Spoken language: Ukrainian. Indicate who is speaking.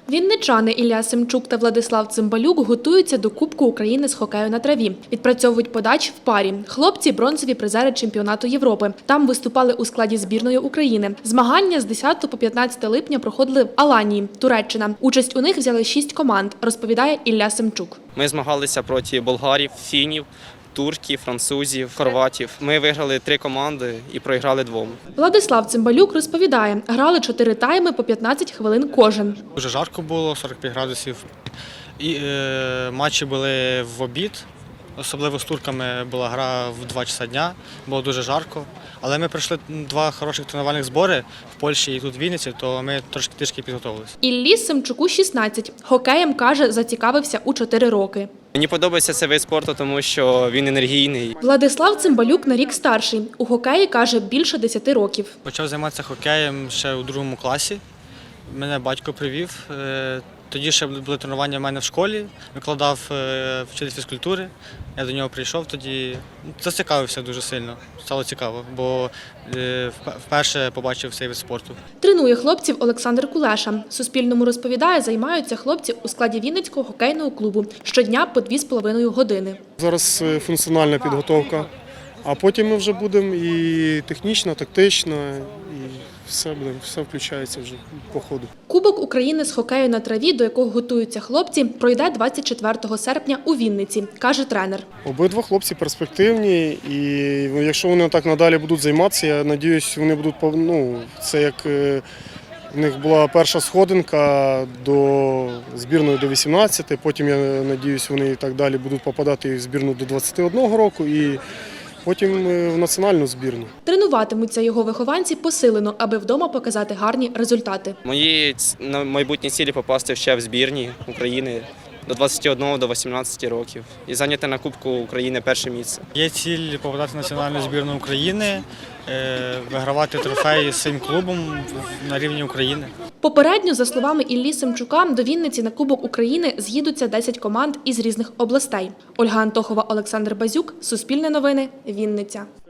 Speaker 1: Вінничани Ілля Семчук та Владислав Цимбалюк готуються до Кубку України з хокею на траві. Відпрацьовують подачі в парі. Хлопці – бронзові призери чемпіонату Європи. Там виступали у складі збірної України. Змагання з 10 по 15 липня проходили в Аланії, Туреччина. Участь у них взяли 6 команд, розповідає Ілля Семчук.
Speaker 2: Ми змагалися проти болгарів, фінів, турків, французів, хорватів. Ми виграли 3 команди і проіграли 2.
Speaker 1: Владислав Цимбалюк розповідає, грали 4 тайми по 15 хвилин кожен.
Speaker 3: Дуже жарко було, 45 градусів. І матчі були в обід. Особливо з турками була гра в 2 часа дня, було дуже жарко. Але ми пройшли 2 хороших тренувальних збори в Польщі і тут в Вінниці, то ми трішки підготовилися.
Speaker 1: Іллі Семчуку 16. Хокеєм, каже, зацікавився у 4 роки.
Speaker 2: Мені подобається цей вид спорту, тому що він енергійний.
Speaker 1: Владислав Цимбалюк на рік старший. У хокеї, каже, більше 10 років.
Speaker 3: Почав займатися хокеєм ще у 2 класі. Мене батько привів. Тоді ще були тренування в мене в школі, викладав вчитель фізкультури. Я до нього прийшов, тоді зацікавився дуже сильно. Стало цікаво, бо вперше побачив цей вид спорту.
Speaker 1: Тренує хлопців Олександр Кулеша. Суспільному розповідає, займаються хлопці у складі Вінницького хокейного клубу. Щодня по 2,5 години.
Speaker 4: Зараз функціональна підготовка, а потім ми вже будемо і технічно, тактично, і все включається вже по ходу.
Speaker 1: Кубок України з хокею на траві, до якого готуються хлопці, пройде 24 серпня у Вінниці, каже тренер.
Speaker 4: Обидва хлопці перспективні, і якщо вони так надалі будуть займатися, я сподіваюся, вони будуть, це як в них була перша сходинка до збірної до 18, потім, я сподіваюся, вони і так далі будуть попадати в збірну до 21 року і потім в національну збірну.
Speaker 1: Тренуватимуться його вихованці посилено, аби вдома показати гарні результати.
Speaker 2: Мої майбутні цілі – попасти ще в збірні України до 21, до 18 років і зайняти на Кубку України перше місце.
Speaker 3: Є ціль попадати в національну збірну України, вигравати трофеї з своїм клубом на рівні України.
Speaker 1: Попередньо, за словами Іллі Семчука, до Вінниці на Кубок України з'їдуться 10 команд із різних областей. Ольга Антохова, Олександр Базюк, Суспільне новини, Вінниця.